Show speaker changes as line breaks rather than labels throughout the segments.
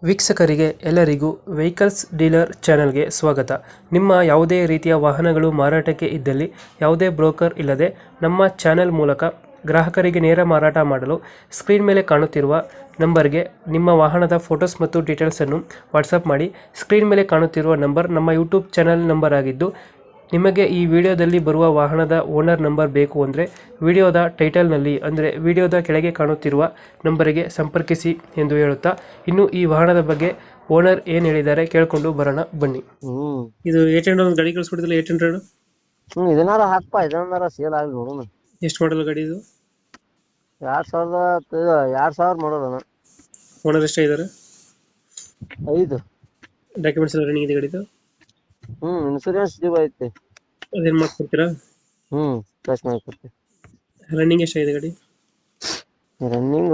ವೀಕ್ಷಕರಿಗೆ ಎಲ್ಲರಿಗೂ vehicles dealer ಚಾನೆಲ್ಗೆ ಸ್ವಾಗತ. ನಿಮ್ಮ ಯಾವುದೇ ರೀತಿಯ ವಾಹನಗಳು ಮಾರಾಟಕ್ಕೆ ಇದ್ದಲ್ಲಿ ಯಾವುದೇ ಬ್ರೋಕರ್ ಇಲ್ಲದೆ ನಮ್ಮ ಚಾನೆಲ್ ಮೂಲಕ ಗ್ರಾಹಕರಿಗೆ ನೇರ ಮಾರಾಟ ಮಾಡಲು ಸ್ಕ್ರೀನ್ ಮೇಲೆ ಕಾಣುತ್ತಿರುವ ನಂಬರ್ಗೆ ನಿಮ್ಮ ವಾಹನದ ಫೋಟೋಸ್ ಮತ್ತು ಡೀಟೇಲ್ಸನ್ನು ವಾಟ್ಸಪ್ ಮಾಡಿ. ಸ್ಕ್ರೀನ್ ಮೇಲೆ ಕಾಣುತ್ತಿರುವ ನಂಬರ್ ನಮ್ಮ ಯೂಟ್ಯೂಬ್ ಚಾನೆಲ್ ನಂಬರ್ ಆಗಿದ್ದು, ನಿಮಗೆ ಈ ವಿಡಿಯೋದಲ್ಲಿ ಬರುವ ವಾಹನದ ಓನರ್ ನಂಬರ್ ಬೇಕು ಅಂದರೆ ವಿಡಿಯೋದ ಟೈಟಲ್ನಲ್ಲಿ ಅಂದರೆ ವಿಡಿಯೋದ ಕೆಳಗೆ ಕಾಣುತ್ತಿರುವ ನಂಬರಿಗೆ ಸಂಪರ್ಕಿಸಿ ಎಂದು ಹೇಳುತ್ತಾ, ಇನ್ನು ಈ ವಾಹನದ ಬಗ್ಗೆ ಓನರ್ ಏನು ಹೇಳಿದ್ದಾರೆ ಕೇಳಿಕೊಂಡು ಬರೋಣ ಬನ್ನಿ. ಇದು 800 ಒಂದು ಗಾಡಿ ಕಳಿಸ್ಕೊಟ್ಟಿದ್ದಿಲ್ಲ, 800
ಇದನ್ನಾರ ಹಾಕ್ಪಾ, ಇದನ್ನಾರ ಸೇಲ್ ಆಗ್ಲಿ ನೋಡೋಣ.
ಎಷ್ಟು ಮಾಡಲ್ ಗಾಡಿ ಇದು?
2000 ಮಾಡೋಣ.
ಓನರ್ ಎಷ್ಟಾಗಿದ್ದಾರೆ?
5.
ಡಾಕ್ಯುಮೆಂಟ್ಸ್ ಎಲ್ಲ ರನ್ನಿಂಗ್ ಇದೆ ಗಾಡಿದು?
ಇನ್ಸೂರೆನ್ಸ್ ಡ್ಯೂ ಐತಿ.
ಅದೇನು ಮಾಡ್ಕೊಡ್ತೀರಾ?
ಪ್ಲಸ್ ಮಾಡ್ಕೊಡ್ತೀವಿ.
ರನ್ನಿಂಗ್ ಎಷ್ಟಾಗಿದೆ ಗಾಡಿ?
ರನ್ನಿಂಗ್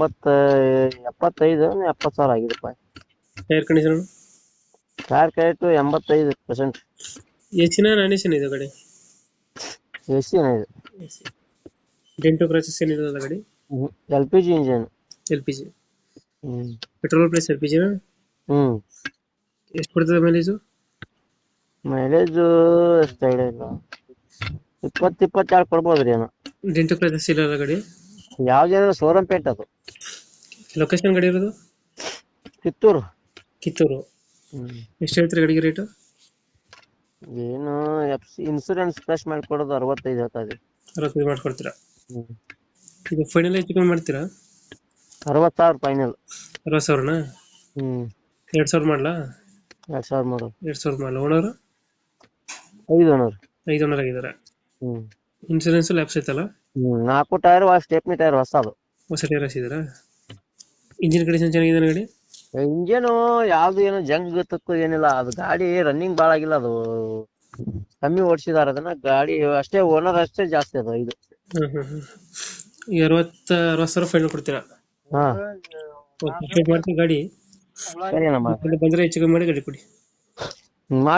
70,000 ಆಗಿದೆಪ್ಪ.
Tyre condition?
ಕಾರ್ ಕೈಟು 85%.
ಎಸಿನ ನಾನ್ ಎಸಿನ ಇದೆ ಗಾಡಿ?
ಎಸಿ ಏನಿದೆ.
ಡೆಂಟು ಕ್ರಾಚಸ್ ಏನಿರೋದಲ್ಲ ಗಾಡಿ?
LPG engine.
LPG petrol plus LPG ನಾ? ಎಷ್ಟು ಕೊಡ್ತದೆ ಮೈಲೇಜು?
ಮೈಲೇಜ್ ಎಷ್ಟಾಗಿದೆ, 20-22 ಕೊಡ್ಬೋದ್ರಿ ಏನೋ.
ಡೆಂಟು ಕ್ರಾಚಸ್ ಇಲ್ಲ ಗಾಡಿ?
ಯಾವ್ದೇನೋ ಶೋರೂಮ್ ಪೇಟ್ ಅದು.
ಲೊಕೇಶನ್ ಗಾಡಿ ಇರೋದು?
ಕಿತ್ತೂರು.
ಎಷ್ಟು ಹೇಳ್ತೀರಿ ಗಾಡಿಗೆ ರೇಟು?
ಏನು ಇನ್ಸೂರೆನ್ಸ್ ಪ್ಲಸ್ ಮಾಡ್ಕೊಡೋದು 65 ಹೇಳ್ತಾ ಇದೆ.
65 ಮಾಡ್ಕೊಡ್ತೀರಾ? ಈಗ ಫೈನಲ್ ಹೆಚ್ಚು ಕಮ್ಮಿ ಮಾಡ್ತೀರಾ?
60,000 ಫೈನಲ್.
60,000ನಾ? 2,000 ಮಾಡಲಾ?
2000 ಮಾಡೋದು.
2,000 ಮಾಡಲ. ಓನರ್?
5 ಓನರ್.
5 ಓನರ್ ಆಗಿದ್ದಾರೆ. ಇನ್ಸೂರೆನ್ಸ್ ಲ್ಯಾಪ್ಸ್ ಐತಲ್ಲ?
4 ಟೈರ್, ಸ್ಟೆಪ್ನಿ ಟೈರ್ ಹೊಸದು.
ಹೊಸ ಟೈರ್ ಹಾಕ್ಸಿದ್ದೀರಾ? ಇಂಜಿನ್ ಕಂಡೀಷನ್ ಚೆನ್ನಾಗಿದೆ ಗಾಡಿ?
ಇಂಜನು ಯಾವ್ದು ಏನೋ ಜಂಗ್ ತಕ್ಕು ಏನಿಲ್ಲ. ಅದು ಗಾಡಿ ರನ್ನಿಂಗ್ ಭಾಳ ಆಗಿಲ್ಲ, ಅದು ಕಮ್ಮಿ ಓಡಿಸಿದಾರ ಅದನ್ನ. ಗಾಡಿ ಅಷ್ಟೇ, ಓನರ್ ಅಷ್ಟೇ ಜಾಸ್ತಿ ಅದು. 5.
60,000 ಫೈನಲ್ ಕೊಡ್ತೀರಾ? ಮಾಡ್ತೀವಿ ಗಾಡಿ
ಸರಿ ಅಣ್ಣ,
ಬಂದ್ರೆ ಹೆಚ್ಚು ಕಮ್ಮಿ ಮಾಡಿ ಗಾಡಿ ಕೊಡಿ.